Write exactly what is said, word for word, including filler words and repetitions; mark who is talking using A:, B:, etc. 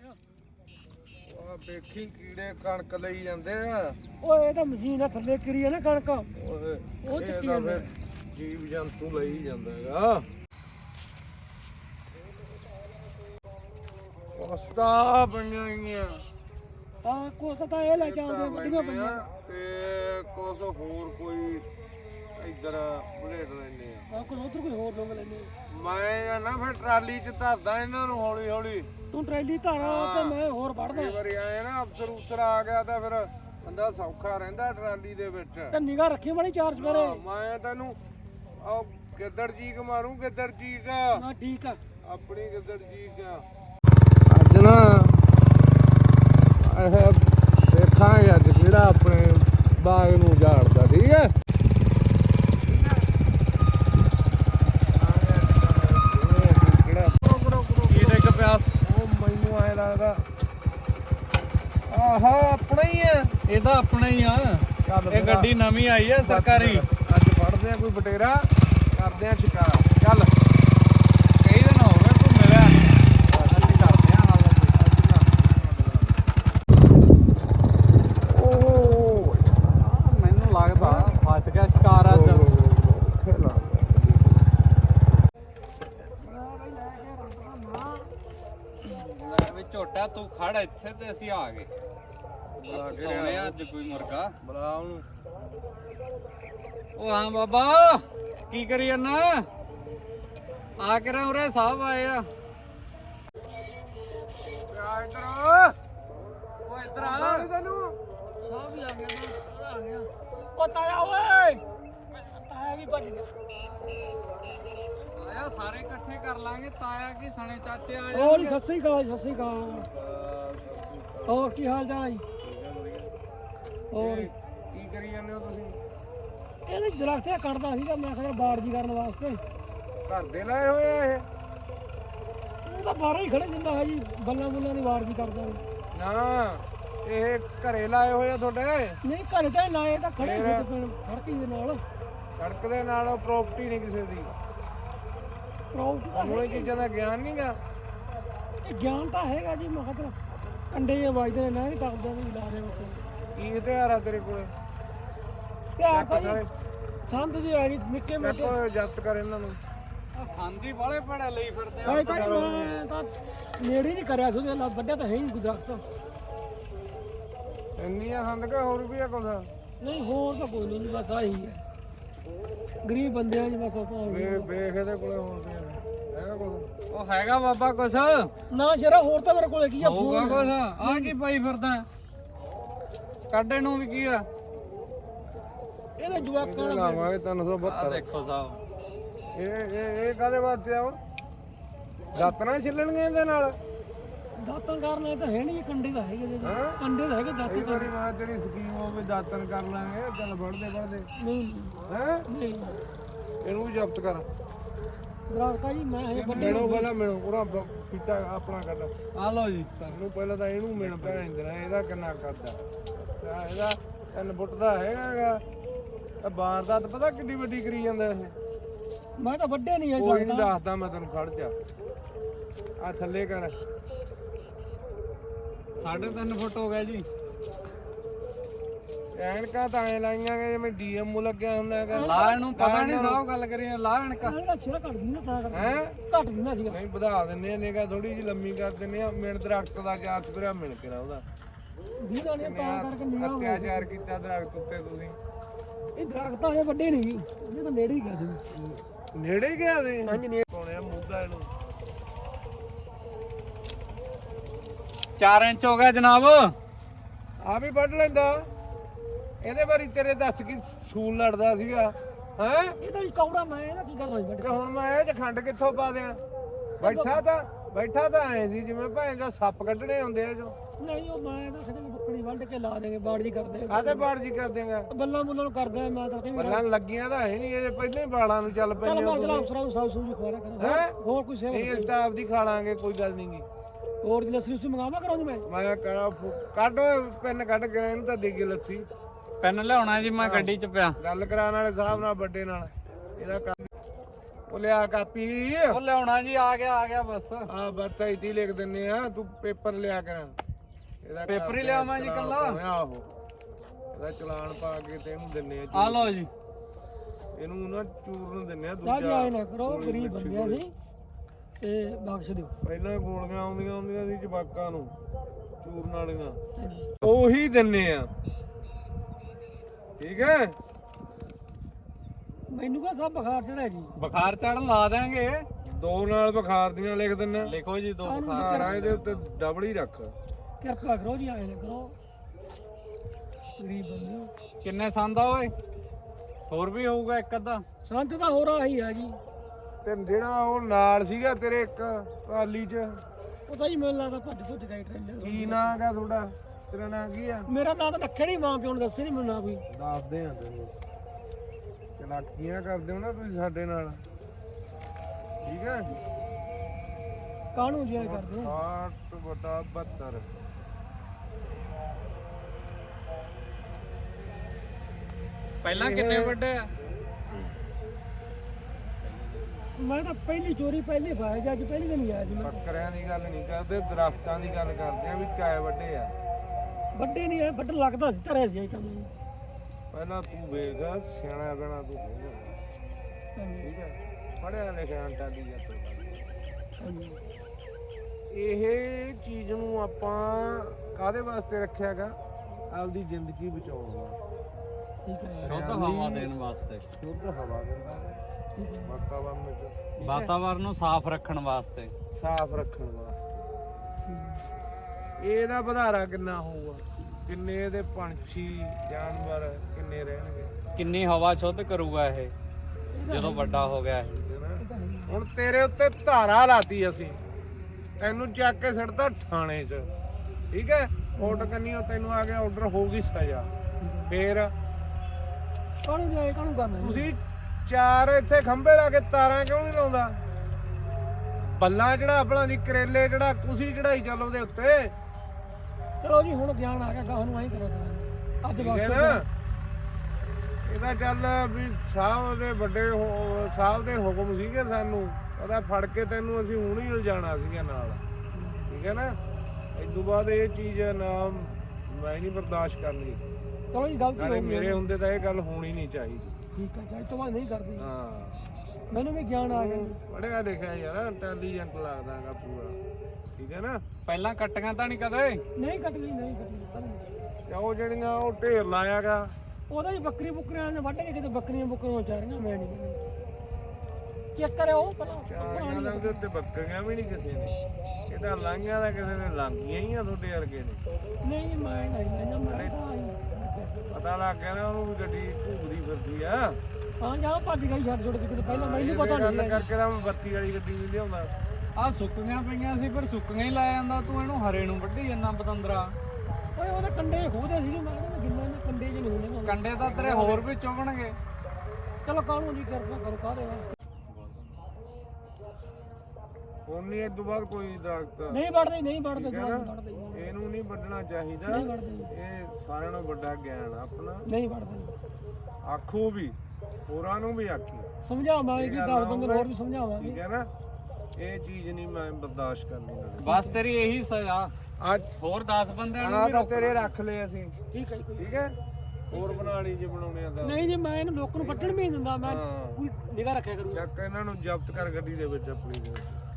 A: ਆ ਵੇਖੀ ਕੀੜੇ ਕਣਕ ਲਈ ਜਾਂਦੇ ਆ।
B: ਓਏ ਇਹ ਤਾਂ ਮਸ਼ੀਨ ਆ ਥੱਲੇ ਕਰੀ ਆ ਨਾ ਕਣਕ।
A: ਓਏ
B: ਉਹ
A: ਇਹ
B: ਚੱਕੀ
A: ਤਾਂ
B: ਜਾਂਦਾ।
A: ਫਿਰ ਜੀਵ ਜੰਤੂ ਲਈ ਜਾਂਦਾ ਹੈਗਾ। ਉਸਤਾ ਪਈਆਂ ਗਈਆਂ
B: ਹਾਂ ਕੁਛ ਤਾਂ ਇਹ ਲੈ ਚੱਲਦੇ ਵੱਡੀਆਂ ਪਈਆਂ
A: ਤੇ ਕੁਛ ਹੋਰ ਕੋਈ ਇੱਧਰ ਬਲੇਡ ਲੈਨੇ ਆ।
B: ਆ ਕੁਛ ਉਧਰ ਕੋਈ ਹੋਰ ਲੋਕ ਲੈਣੇ।
A: ਮੈਂ ਨਾ ਫਿਰ ਟਰਾਲੀ 'ਚ ਧਰਦਾ ਇਹਨਾਂ ਨੂੰ ਹੌਲੀ ਹੌਲੀ।
B: ਤੂੰ ਟਰੈਲੀ ਧਾਰਾ ਤੇ ਮੈਂ ਹੋਰ ਵੜਦਾ।
A: ਕਈ ਵਾਰੀ ਆਏ ਨਾ ਅਫਸਰ ਉਫਸਰ ਆ ਗਿਆ ਤਾਂ ਫਿਰ ਬੰਦਾ ਸੌਖਾ ਰਹਿੰਦਾ ਟਰਾਲੀ ਦੇ ਵਿੱਚ।
B: ਤੇ ਨਿਗਾਹ ਰੱਖੀ ਬੜੀ ਚਾਰ ਸਵੇਰੇ।
A: ਮੈਂ ਤੈਨੂੰ ਉਹ ਗਿੱਦੜ ਚੀਕ ਮਾਰੂ ਗਿੱਦੜ ਚੀਕ।
B: ਹਾਂ ਠੀਕ ਆ
A: ਆਪਣੀ ਗਿੱਦੜ ਚੀਕ ਅੱਜ ਨਾ ਇਹ ਦੇਖਾਂਗੇ ਅੱਜ ਕਿਹੜਾ ਆਪਣੇ ਬਾਗ ਨੂੰ ਝਾੜਦਾ। ਠੀਕ ਹੈ ਮੈਨੂੰ ਐ ਲੱਗਦਾ ਆਹਾ ਆਪਣਾ ਹੀ ਆ।
C: ਇਹ ਤਾਂ ਆਪਣਾ ਹੀ ਆ। ਇਹ ਗੱਡੀ ਨਵੀਂ ਆਈ ਆ ਸਰਕਾਰੀ।
A: ਅੱਜ ਫੜਦੇ ਆ ਕੋਈ ਬਟੇਰਾ ਕਰਦੇ ਆ ਸ਼ਿਕਾਰ। ਚੱਲ
C: ਕਈ ਦਿਨ ਹੋ ਗਏ ਤੂੰ ਮਿਲਿਆ ਅੱਜ ਕਰਦੇ ਆ ਹਾਲ।
A: ਓਹ
C: ਮੈਨੂੰ ਲੱਗਦਾ ਫਸ ਗਿਆ ਸ਼ਿਕਾਰ ਅੱਜ। ਵੀ ਝੋਟਾ ਤੂੰ ਖੜ ਇੱਥੇ ਤੇ ਅਸੀਂ ਆ ਗਏ। ਸੋਨੇ ਅੱਜ ਕੋਈ ਮੁਰਗਾ
A: ਬੁਲਾ ਉਹਨੂੰ।
C: ਉਹ ਹਾਂ ਬਾਬਾ ਕੀ ਕਰੀ ਜਾਂਦਾ ਆ ਕੇ ਰਾਂ ਉਰੇ ਸਾਹਿਬ ਆਏ ਆ।
A: ਆ ਇੱਧਰ
C: ਉਹ ਇੱਧਰ ਆ
A: ਤੈਨੂੰ
B: ਸਾਹ ਵੀ ਆ ਗਿਆ ਨਾ ਆ ਗਿਆ। ਉਹ ਤਾਇਆ ਓਏ ਤਾਇਆ ਵੀ ਭੱਜ ਗਿਆ।
C: ਆਇਆ ਸਾਰੇ ਇਕੱਠੇ ਕਰ ਲਾਂਗੇ। ਤਾਇਆ ਕੀ ਸਣੇ ਚਾਚੇ ਆ
B: ਹੋਰ
C: ਜਾਣਗੇ।
B: ਸਤਿ ਸ੍ਰੀ ਅਕਾਲ ਸਤਿ ਸ੍ਰੀ ਅਕਾਲ। ਹੋਰ ਕੀ ਹਾਲ ਚਾਲ ਜੀ? ਹੋਰ
A: ਕੀ ਕਰੀ ਜਾਂਦੇ ਹੋ ਤੁਸੀਂ?
B: ਇਹਦੇ ਦਰਖਤ ਇਹ ਕੱਟਦਾ ਸੀਗਾ ਮੈਂ ਕਿਹਾ ਬਾੜ ਜੀ ਕਰਨ ਵਾਸਤੇ।
A: ਘਰ ਦੇ ਲਾਏ ਹੋਏ ਆ ਇਹ?
B: ਉਹ ਤਾਂ ਬਾਹਰ ਹੀ ਖੜੇ ਸੀ। ਮੈਂ ਕਿਹਾ ਜੀ ਬੱਲਾਂ ਬੁੱਲਾਂ ਦੀ ਬਾੜ ਜੀ ਕਰਦਾ।
A: ਨਾ ਇਹ ਘਰੇ ਲਾਏ ਹੋਏ ਆ ਤੁਹਾਡੇ?
B: ਨਹੀਂ ਘਰੇ ਤਾਂ ਲਾਏ ਤਾਂ ਖੜੇ ਸੀ ਤੇ ਪਿੰਡ ਫੜਕੀ ਦੇ ਨਾਲ।
A: ਸੜਕ ਦੇ ਨਾਲ ਪ੍ਰੋਪਰਟੀ ਨਹੀਂ ਕਿਸੇ ਦੀ।
B: ਪ੍ਰਾਊਡ ਤਾਂ
A: ਤੁਹਾਨੂੰ ਇਹ ਚੀਜ਼ਾਂ ਦਾ ਗਿਆਨ ਨਹੀਂਗਾ?
B: ਇਹ ਗਿਆਨ ਤਾਂ ਹੈਗਾ ਜੀ। ਮੈਂ ਕਿਹਾ ਕੰਡੇ ਜਿਹੇ ਵੱਜਦੇ ਨੇ ਨਾ ਇਹ ਟੱਪਦੇ ਨੇ ਲਾ ਦੇ ਉੱਤੇ।
A: ਕੀ ਹਥਿਆਰ ਆ ਤੇਰੇ ਕੋਲੇ?
B: ਤੇ ਆ ਤਾਂ ਜੀ ਸੰਦ ਜੀ ਆ ਜੀ ਨਿੱਕੇ ਮੋਟੇ।
A: ਦੇਖੋ ਐਡਜਸਟ ਕਰ ਇਹਨਾਂ ਨੂੰ।
C: ਆ ਸੰਦੀ ਬਾਲੇ ਪੜੇ ਲਈ ਫਿਰਦੇ ਆ।
B: ਹਾਏ ਤਾਂ ਜੀ ਮੈਂ ਤਾਂ ਨੇੜੇ ਨਹੀਂ ਕਰਿਆ ਸੋਦੇ ਲਾ ਵੱਡਾ ਤਾਂ ਹੈ ਹੀ ਨਹੀਂ ਦਰਖਤ।
A: ਇੰਨੀਆਂ ਸੰਦ ਕੇ ਹੋਰ ਵੀ ਆ ਕੁਛ?
B: ਨਹੀਂ ਹੋਰ ਤਾਂ ਕੋਈ ਨਹੀਂ ਬਸ ਆਹੀ ਹੈ। ਗਰੀਬ ਬੰਦਿਆਂ ਦੀ ਬਸ ਆਪਾਂ
A: ਵੇ ਵੇਖ ਇਹਦੇ ਕੋਲੇ ਹੋਰ ਵੀ ਹੈਗਾ ਕੁਛ?
C: ਉਹ ਹੈਗਾ ਬਾਬਾ ਕੁਛ
B: ਨਾ ਸ਼ਰਾ ਹੋਰ ਤਾਂ ਮੇਰੇ ਕੋਲੇ ਕੀ ਆ
C: ਹੋਊਗਾ ਕੁਛ। ਆ ਕੀ ਪਾਈ ਫਿਰਦਾ ਕਾਡੇ ਨੂੰ ਵੀ ਕੀ ਆ?
B: ਇਹਦੇ ਜਵਾਕਾਂ ਨਾਲ
A: ਲਾਵਾਂਗੇ ਤਿੰਨ ਸੌ
C: ਆ
A: ਬਹੱਤਰ।
C: ਦੇਖੋ ਸਾਹਿਬ
A: ਇਹ ਇਹ ਇਹ ਕਾਦੇ ਵਾਸਤੇ ਆ? ਦਾਤਣਾ ਛਿੱਲਣਗੇ ਇਹਦੇ ਨਾਲ?
B: ਦਾਤਨ ਕਰਨ ਵਾਲੇ ਤਾਂ ਹੈ ਨਹੀਂ ਕੰਡੇ ਤਾਂ ਹੈਗੇ ਜੀ।
A: ਹਾਂ?
B: ਕੰਡੇ ਤਾਂ ਹੈਗੇ
A: ਕਈ
B: ਦਾਤੇ
A: ਵਾਰੀ ਮੈਂ ਤੇਰੀ ਸਕੀਮ ਹੋਵੇ ਦਾਤਨ ਕਰ ਲਾਂਗੇ। ਚੱਲ ਫੜਦੇ ਫੜਦੇ
B: ਨਹੀਂ
A: ਹੈ
B: ਨਹੀਂ
A: ਇਹਨੂੰ ਵੀ ਜ਼ਬਤ ਕਰ।
B: ਦਰਖਤਾਂ ਜੀ ਮੈਂ ਇਹ ਵੱਡੇ
A: ਮਿਲੋ ਪਹਿਲਾਂ ਮਿਲੋ ਪੂਰਾ ਪੀਤਾ ਆਪਣਾ ਕਰ।
C: ਆ ਲਓ ਜੀ।
A: ਸਾਨੂੰ ਪਹਿਲਾਂ ਤਾਂ ਇਹਨੂੰ ਮਿਲ ਭੈਣ ਦੇਣਾ। ਇਹਦਾ ਕਿੰਨਾ ਕਰਦਾ? ਤਾਂ ਇਹਦਾ ਤਿੰਨ ਫੁੱਟ ਦਾ ਹੈਗਾ। ਤਾਂ ਬਾਰਦਾਤ ਪਤਾ ਕਿੰਨੀ ਵੱਡੀ ਕਰੀ ਜਾਂਦਾ ਇਹ?
B: ਮੈਂ ਤਾਂ ਵੱਡੇ ਨਹੀਂ ਹੈ
A: ਕੋਈ ਨਹੀਂ
B: ਦਰਖਤ।
A: ਦੱਸਦਾ ਮੈਂ ਤੈਨੂੰ। ਖੜ ਜਾ ਆ ਥੱਲੇ ਕਰ।
C: ਸਾਢੇ ਤਿੰਨ ਫੁੱਟ ਹੋ ਗਿਆ ਜੀ।
A: ਐਨਕਾਂ ਤਾਂ ਐ ਲਾਈਆਂ ਗਏ ਜਿਵੇਂ ਡੀਐਮਓ ਲੱਗਿਆ ਹੁੰਦਾ ਹੈਗਾ।
C: ਲਾ ਇਹਨੂੰ ਪਤਾ ਨਹੀਂ ਸਾਹਿਬ ਗੱਲ ਕਰੀਏ ਲਾ ਐਨਕਾ।
B: ਇਹਦਾ ਛੇੜਾ ਘੱਟ ਦਿੰਦਾ ਤਾਂ ਕਰਕੇ
A: ਹੈ
B: ਘੱਟ ਦਿੰਦਾ ਸੀਗਾ।
A: ਨਹੀਂ ਵਧਾ ਦਿੰਦੇ ਆ ਨਿਗਾ ਥੋੜੀ ਜਿਹੀ ਲੰਮੀ ਕਰ ਦਿੰਦੇ ਆ। ਮਿਣ ਦਰਖਤ ਦਾ ਚਾਰ ਚੁਰਾ ਮਿਲ ਕੇ ਨਾ ਉਹਦਾ
B: ਵੀਹ ਨੇ ਤਾਂ ਕਰਕੇ ਨਿਗਾਹ ਹੋ
A: ਅਤਿਆਚਾਰ ਕੀਤਾ ਦਰਖਤ ਉੱਤੇ ਤੁਸੀਂ।
B: ਇਹ ਦਰਖਤਾਂ ਇਹ ਵੱਡੇ ਨਹੀਂ ਇਹ ਤਾਂ ਨੇੜੇ ਹੀ ਗਿਆ ਸੀ।
A: ਨੇੜੇ ਗਿਆ ਦੇ
B: ਹਾਂਜੀ ਨੇੜੇ।
A: ਪਾਉਣਿਆ ਮੁੱਦਾ ਇਹਨੂੰ।
C: ਚਾਰ ਇੰਚ ਹੋ ਗਿਆ ਜਨਾਬ।
A: ਆ ਵੀ ਵੱਢ ਲੈਂਦਾ। ਇਹਦੇ ਬਾਰੇ ਤੇਰੇ ਦੱਸ ਕੀ ਸੂਲ ਲੜਦਾ ਸੀਗਾ ਹੈ?
B: ਇਹ ਤਾਂ ਕੌੜਾ ਮੈਂ ਇਹਦਾ ਕੀ ਕਰਨਾ ਸੀ ਵੱਡੇ।
A: ਤੇ ਹੁਣ ਮੈਂ ਇਹ ਚ ਖੰਡ ਕਿੱਥੋਂ ਪਾ ਦਿਆਂ? ਬੈਠਾ ਤਾਂ ਬੈਠਾ ਤਾਂ ਐ ਸੀ ਜਿਵੇਂ ਭੈਣ ਦਾ ਸੱਪ ਕੱਢਣੇ ਹੁੰਦੇ ਆ ਜੋ।
B: ਨਹੀਂ ਉਹ ਮੈਂ ਤਾਂ ਸਿੱਧੀ ਬੱਕੜੀ ਵੱਢ ਕੇ ਲਾ ਦੇਗੇ ਬਾੜ ਜੀ ਕਰਦੇ
A: ਕਾਹਦੇ ਬਾੜ ਜੀ ਕਰ ਦੇਗਾ?
B: ਬੱਲਾਂ ਬੁੱਲਾਂ ਨੂੰ ਕਰਦਾ ਮੈਂ ਤਾਂ ਕਈ ਵਾਰ।
A: ਬੱਲਾਂ ਲੱਗੀਆਂ ਤਾਂ ਹੈ ਨਹੀਂ। ਇਹ ਪਹਿਲਾਂ ਹੀ ਬਾਲਾਂ ਨੂੰ ਚੱਲ
B: ਚੱਲ
A: ਪਈਆਂ
B: ਮੈਂ ਚਲਾ
A: ਤੁਸੀਂ।
B: ਅਫਸਰਾਂ ਨੂੰ ਸਾਫ ਸੂਜੀ ਖਵਾਰਾ ਕਰਾਂ।
A: ਹੈਂ?
B: ਹੋਰ ਕੋਈ ਸੇਵਾ
A: ਇਹ ਤਾਂ ਆਪਦੀ ਖਾ ਲਾਂਗੇ ਕੋਈ ਗੱਲ ਨਹੀਂ ਗੀ।
B: ਹੋਰ ਦੀ ਲੱਸੀ ਉਸੇ ਮੰਗਾਵਾ ਕਰਾਂ ਮੈਂ।
A: ਮੈਂ ਕਹਾਂ ਕੱਢ ਪੈਨ ਕੱਢ ਕੇ ਇਹਨੂੰ ਤਾਂ ਦੇ ਗਈ ਲੱਸੀ।
C: ਪੈਨ ਲਿਆਉਣਾ ਜੀ ਮੈਂ ਗੱਡੀ 'ਚ ਪਿਆ।
A: ਗੱਲ ਕਰਾਉਣ ਵਾਲੇ ਸਾਹਿਬ ਨਾਲ ਵੱਡੇ ਨਾਲ ਇਹਦਾ ਕੰਮ। ਉਹ ਲਿਆ ਕਾਪੀ
C: ਉਹ ਲਿਆਉਣਾ ਜੀ, ਆ ਗਿਆ ਆ ਗਿਆ ਬਸ।
A: ਆ ਬਸ ਇੱਥੇ ਲਿਖ ਦਿੰਨੇ ਆ, ਤੂੰ ਪੇਪਰ ਲਿਆ ਕਰ ਇਹਦਾ।
C: ਪੇਪਰ ਹੀ ਲਿਆਵਾਂ ਜੀ ਕੱਲਾ?
A: ਆਹੋ ਇਹਦਾ ਚਲਾਨ ਪਾ ਕੇ ਤੇ ਇਹਨੂੰ ਦਿੰਨੇ ਆ।
C: ਆ ਲਓ ਜੀ,
A: ਇਹਨੂੰ ਨਾ ਚੂਰਨ ਦਿੰਨੇ ਆ
B: ਜਾ
A: ਦੂਜਾ।
B: ਜੀ ਆਏ ਨਾ ਕਰੋ, ਗਰੀਬ ਬੰਦਿਆਂ ਸੀ ਤੇ ਬਖਸ਼ ਦਿਓ।
A: ਪਹਿਲਾਂ ਗੋਲੀਆਂ ਆਉਂਦੀਆਂ ਆਉਂਦੀਆਂ ਸੀ ਜਵਾਕਾਂ ਨੂੰ ਚੂਰਨ ਵਾਲੀਆਂ, ਉਹੀ ਦਿੰਨੇ ਆ। ਠੀਕ ਹੈ,
B: ਮੈਨੂੰ ਕਾ ਸਭ ਬੁਖਾਰ ਚੜਿਆ ਜੀ।
C: ਬੁਖਾਰ ਚੜਨ ਲਾ ਦੇਾਂਗੇ।
A: ਦੋ ਨਾਲ ਬੁਖਾਰ ਦੀਆਂ ਲਿਖ ਦਿੰਨਾ।
C: ਲਿਖੋ ਜੀ ਦੋ ਬੁਖਾਰ।
A: ਬੁਖਾਰ ਇਹਦੇ ਉੱਤੇ ਡਬਲ ਹੀ ਰੱਖ।
B: ਕਿਰਪਾ ਕਰੋ ਜੀ ਆਏ ਨਾ ਕਰੋ, ਗਰੀਬ ਬੰਦੇ ਹੋ।
C: ਕਿੰਨੇ ਸੰਦ ਆ ਓਏ? ਹੋਰ ਵੀ ਹੋਊਗਾ ਇੱਕ ਅੱਧਾ।
B: ਸੰਤ ਤਾਂ ਹੋ ਰਹਾ ਹੀ ਆ ਜੀ।
A: ਤੇ ਜਿਹੜਾ ਉਹ ਨਾਲ ਸੀਗਾ ਤੇਰੇ ਇੱਕ ਟਰਾਲੀ 'ਚ,
B: ਉਹ ਤਾਂ ਜੀ ਮੈਨੂੰ ਲੱਗਦਾ ਭੱਜ ਭੁੱਜ ਗਏ ਟ੍ਰੇਲਰ।
A: ਕੀ ਨਾਂ ਹੈਗਾ ਤੁਹਾਡਾ? ਤੇਰਾ ਨਾਂ ਕੀ ਆ?
B: ਮੇਰਾ ਨਾਂ ਤਾਂ ਰੱਖਿਆ ਨਹੀਂ, ਮਾਂ ਪਿਓ ਨੇ ਦੱਸੇ ਨਹੀਂ ਮੈਨੂੰ ਨਾ ਕੋਈ।
A: ਦੱਸਦੇ ਆ ਤੈਨੂੰ, ਚਲਾਕੀਆਂ ਕਰਦੇ ਹੋ ਨਾ ਤੁਸੀਂ ਸਾਡੇ ਨਾਲ। ਠੀਕ ਹੈ,
B: ਕਾਹਨੂੰ ਜਿਆ ਕਰਦੇ ਹੋ?
A: ਅੱਠ ਬਟਾ ਬਹੱਤਰ।
C: ਪਹਿਲਾਂ ਕਿੰਨੇ ਵੱਡੇ ਆ?
B: ਮੈਂ ਤਾਂ ਪਹਿਲੀ ਚੋਰੀ ਪਹਿਲੇ ਪਾਇਆ ਜੀ, ਅੱਜ ਪਹਿਲੀ ਦਿਨ ਗਿਆ ਜੀ ਮੈਂ।
A: ਬੱਕਰਿਆਂ ਦੀ ਗੱਲ ਨਹੀਂ ਕਰਦੇ, ਦਰਖਤਾਂ ਦੀ ਗੱਲ ਕਰਦੇ ਆ ਵੀ ਚਾਏ ਵੱਡੇ ਆ।
B: ਵੱਡੇ ਨਹੀਂ ਆ, ਵੱਡਾ ਲੱਗਦਾ ਸੀ ਧਰਿਆ ਸੀ ਤਾਂ ਮੈਨੂੰ।
A: ਪਹਿਲਾਂ ਤੂੰ ਵੇਖ, ਸਿਆਣਾ ਬਣਾ ਤੂੰ ਹੋਊਗਾ।
B: ਹਾਂਜੀ
A: ਠੀਕ ਹੈ, ਪੜਿਆ ਲਿਖਿਆ ਇੰਟੈਲੀਜੈਂਟ।
B: ਹਾਂਜੀ।
A: ਇਹ ਚੀਜ਼ ਨੂੰ ਆਪਾਂ ਕਾਹਦੇ ਵਾਸਤੇ ਰੱਖਿਆਗਾ? ਆਪਦੀ ਜ਼ਿੰਦਗੀ ਬਚਾਉਣ ਵਾਸਤੇ,
B: ਠੀਕ ਹੈ
C: ਸ਼ੁੱਧ ਹਵਾ ਦੇਣ ਵਾਸਤੇ,
A: ਸ਼ੁੱਧ ਹਵਾ ਦਿੰਦਾ ਹੈ,
B: ਠੀਕ ਹੈ।
A: ਵਾਤਾਵਰਨ ਵਿੱਚ
C: ਵਾਤਾਵਰਨ ਨੂੰ ਸਾਫ਼ ਰੱਖਣ ਵਾਸਤੇ।
A: ਸਾਫ਼ ਰੱਖਣ ਵਾਸਤੇ। ਇਹਦਾ ਵਧਾਰਾ ਕਿੰਨਾ ਹੋਊਗਾ? ਕਿੰਨੇ ਇਹਦੇ ਪੰਛੀ ਜਾਨਵਰ ਕਿੰਨੇ ਰਹਿਣਗੇ?
C: ਕਿੰਨੀ ਹਵਾ ਸ਼ੁੱਧ ਕਰੂਗਾ ਇਹ ਜਦੋਂ ਵੱਡਾ ਹੋ ਗਿਆ ਇਹ।
A: ਠੀਕ ਹੈ ਨਾ? ਹੁਣ ਤੇਰੇ ਉੱਤੇ ਧਾਰਾ ਲਾਤੀ ਅਸੀਂ, ਤੈਨੂੰ ਚੱਕ ਕੇ ਸਿੱਟਦਾ ਥਾਣੇ 'ਚ। ਠੀਕ ਹੈ, ਕੋਰਟ ਕੰਨੀਓ ਤੈਨੂੰ ਆ ਗਿਆ ਆਰਡਰ, ਹੋਊਗੀ ਸਜ਼ਾ। ਫੇਰ
B: ਕਾਹਨੂੰ ਜਾਏ, ਕਾਹਨੂੰ ਕਰਨਾ ਜੀ?
A: ਤੁਸੀਂ ਚਾਰ ਇੱਥੇ ਖੰਭੇ ਲਾ ਕੇ ਤਾਰਾਂ ਕਿਉਂ ਨਹੀਂ ਲਾਉਂਦਾ? ਬੱਲਾ ਜਿਹੜਾ ਆਪਣਾ ਦੀ ਕਰੇਲੇ ਜਿਹੜਾ ਤੁਸੀਂ ਚੜਾਈ ਚੱਲ ਉਹਦੇ ਉੱਤੇ।
B: ਚਲੋ ਜੀ ਹੁਣ ਗਿਆਨ ਆ ਗਿਆ, ਗਾਹ ਨੂੰ ਆਈ ਕਰਿਆ ਕਰਾਂਗੇ। ਅੱਜ
A: ਠੀਕ ਹੈ
B: ਬਖਸ਼
A: ਨਾ?
B: ਦਿਓ।
A: ਇਹਦਾ ਚੱਲ ਵੀ ਸਾਹਿਬ ਦੇ ਵੱਡੇ ਹੋ- ਸਾਹਿਬ ਦੇ ਹੁਕਮ ਸੀਗੇ ਸਾਨੂੰ, ਉਹਦਾ ਫੜ ਕੇ ਤੈਨੂੰ ਅਸੀਂ ਹੁਣ ਹੀ ਲਿਜਾਣਾ ਸੀਗਾ ਨਾਲ। ਠੀਕ ਹੈ ਨਾ? ਇਸ ਤੋਂ ਬਾਅਦ ਇਹ ਚੀਜ਼ ਨਾ ਮੈਂ ਨਹੀਂ ਬਰਦਾਸ਼ਤ ਕਰਨੀ।
B: ਚਲੋ ਜੀ ਗਲਤੀ
A: ਨਾਲੇ
B: ਹੋ ਗਈ।
A: ਮੇਰੇ ਹੁੰਦੇ ਤਾਂ ਇਹ ਗੱਲ ਹੋਣੀ ਨਹੀਂ ਚਾਹੀਦੀ।
B: ਠੀਕ ਹੈ ਜੀ, ਅੱਜ ਤੋਂ ਬਾਅਦ ਨਹੀਂ ਕਰਦੀ।
A: ਹਾਂ,
B: ਮੈਨੂੰ ਵੀ ਗਿਆਨ ਆ ਗਿਆ।
A: ਪੜਿਆ ਲਿਖਿਆ ਯਾਰ, ਇੰਟੈਲੀਜੈਂਟ ਲੱਗਦਾਗਾ ਪੂਰਾ। ਠੀਕ ਹੈ ਨਾ?
C: ਪਹਿਲਾਂ ਕੱਟੀਆਂ ਤਾਂ ਨਹੀਂ ਕਦੇ?
B: ਨਹੀਂ ਕੱਟਣੀ, ਨਹੀਂ ਕੱਟਣੀ ਪਤਾ ਨਹੀਂ।
A: ਤੇ ਉਹ ਜਿਹੜੀਆਂ ਉਹ ਢੇਰ ਲਾਇਆਗਾ,
B: ਉਹਦਾ ਜੀ ਬੱਕਰੀ ਬੁੱਕਰੀਆਂ ਨੇ ਵੱਢ ਕੇ ਕਿਤੇ ਬੱਕਰੀਆਂ ਬੁੱਕਰੀਆਂ ਚਾਰੀਆਂ, ਮੈਂ ਨਹੀਂ ਚੈੱਕ ਕਰਿਆ ਉਹ ਪਹਿਲਾਂ।
A: ਚਾਰੀਆਂ ਦੇ ਉੱਤੇ ਬੱਕਰੀਆਂ ਵੀ ਨਹੀਂ ਕਿਸੇ ਨੇ। ਇਹ ਤਾਂ ਲਾਂਘਿਆਂ ਦਾ ਕਿਸੇ ਨੇ ਲਾਂਘੀਆਂ ਹੀ ਆ ਤੁਹਾਡੇ ਵਰਗੇ ਨੇ।
B: ਨਹੀਂ ਜੀ ਮੈਂ ਨਹੀਂ ਲੈਣਾ, ਮੈਂ ਤਾਂ ਆਈ।
A: ਪਤਾ ਲੱਗ ਗਿਆ ਨਾ ਉਹਨੂੰ ਵੀ ਗੱਡੀ ਘੂਕਦੀ ਫਿਰਦੀ ਆ।
B: ਹਾਂ ਜਾਂ ਭੱਜ ਗਈ ਛੱਡ ਛੁੱਟ ਕੇ ਕਿਤੇ, ਪਹਿਲਾਂ ਮੈਨੂੰ
A: ਇਸੇ
B: ਪਤਾ
A: ਗੱਲ
B: ਨਹੀਂ।
A: ਕਰਕੇ ਤਾਂ ਮੈਂ ਬੱਤੀ ਵਾਲੀ ਗੱਡੀ ਵੀ ਲਿਆਉਂਦਾ।
C: ਆ ਸੁੱਕੀਆਂ ਪਈਆਂ ਸੀ, ਪਰ ਸੁੱਕੀਆਂ ਹੀ ਲਾਇਆ ਜਾਂਦਾ। ਤੂੰ ਇਹਨੂੰ ਹਰੇ ਨੂੰ ਵੱਢੀ ਜਾਂਦਾ ਪਤੰਦਰਾ।
B: ਓਏ ਉਹਦੇ ਕੰਡੇ ਖੋਦੇ ਸੀ, ਮੈਂ ਕਹਿੰਦਾ ਗਿੱਲੇ ਨੇ ਕੰਡੇ ਜਿਹੇ ਨਹੀਂ ਹੁੰਦੇ।
C: ਕੰਡੇ ਤਾਂ ਤੇਰੇ ਹੋਰ ਵੀ ਚੁਗਣਗੇ।
B: ਚਲੋ ਕਾਹਨੂੰ ਜੀ ਕਿਰਪਾ ਕਰੋ, ਕਾਹਦੇ ਵਾਸਤੇ?
A: ਹੁਣ ਨਹੀਂ ਇਸ ਤੋਂ ਬਾਅਦ ਕੋਈ ਦਰਖਤ
B: ਨਹੀਂ ਵੱਢਦੇ, ਨਹੀਂ ਵੱਢਦੇ,
A: ਠੀਕ ਹੈ
B: ਜਵਾਕ
A: ਨਾ?
B: ਵੱਢਦੇ ਜੀ।
A: ਇਹਨੂੰ ਨਹੀਂ ਵੱਢਣਾ ਚਾਹੀਦਾ।
B: ਨਹੀਂ ਵੱਢਦੇ,
A: ਇਹ ਸਾਰਿਆਂ ਨਾਲੋਂ ਵੱਡਾ ਗਿਆਨ ਆ ਆਪਣਾ।
B: ਨਹੀਂ ਵੱਢਦੇ।
A: ਆਖੋ ਵੀ, ਹੋਰਾਂ ਨੂੰ ਵੀ ਆਖੀ।
B: ਸਮਝਾਵਾਂਗੇ ਕਿ
A: ਇਹ ਗੱਲ
B: ਦਸ ਬੰਦੇ ਨੂੰ ਹੋਰ ਵੀ
A: ਠੀਕ
B: ਸਮਝਾਵਾਂਗੇ।
A: ਹੈ ਨਾ? ਇਹ ਚੀਜ਼ ਨਹੀਂ ਮੈਂ ਬਰਦਾਸ਼ਤ ਕਰਨੀ ਨਾਲੇ।
C: ਬਸ ਤੇਰੀ ਇਹੀ ਸਜ਼ਾ।
A: ਅੱਜ
C: ਹੋਰ ਦਸ ਬੰਦਿਆਂ ਨੂੰ
A: ਆ
C: ਵੀ
A: ਤਾਂ
C: ਰੋਕਣਾ।
A: ਤੇਰੇ ਰੱਖ ਲਏ ਅਸੀਂ।
B: ਠੀਕ ਹੈ ਜੀ, ਕੋਈ
A: ਠੀਕ ਹੈ, ਹੋਰ ਬਣਾ ਲਈ ਜੇ ਬਣਾਉਣੇ ਆ ਤਾਂ।
B: ਨਹੀਂ ਜੀ, ਮੈਂ ਇਹਨੂੰ ਲੋਕਾਂ ਨੂੰ ਵੱਢਣ ਵੀ ਨਹੀਂ ਦਿੰਦਾ, ਮੈਂ
A: ਹਾਂ।
B: ਕੋਈ ਨਿਗਾਹ ਰੱਖਿਆ ਕਰੂੰਗਾ।
A: ਚੱਕ ਇਹਨਾਂ ਨੂੰ ਜ਼ਬਤ ਕਰ ਗੱਡੀ ਦੇ ਵਿੱਚ ਆਪਣੀ ਦੇ ਵਿੱਚ।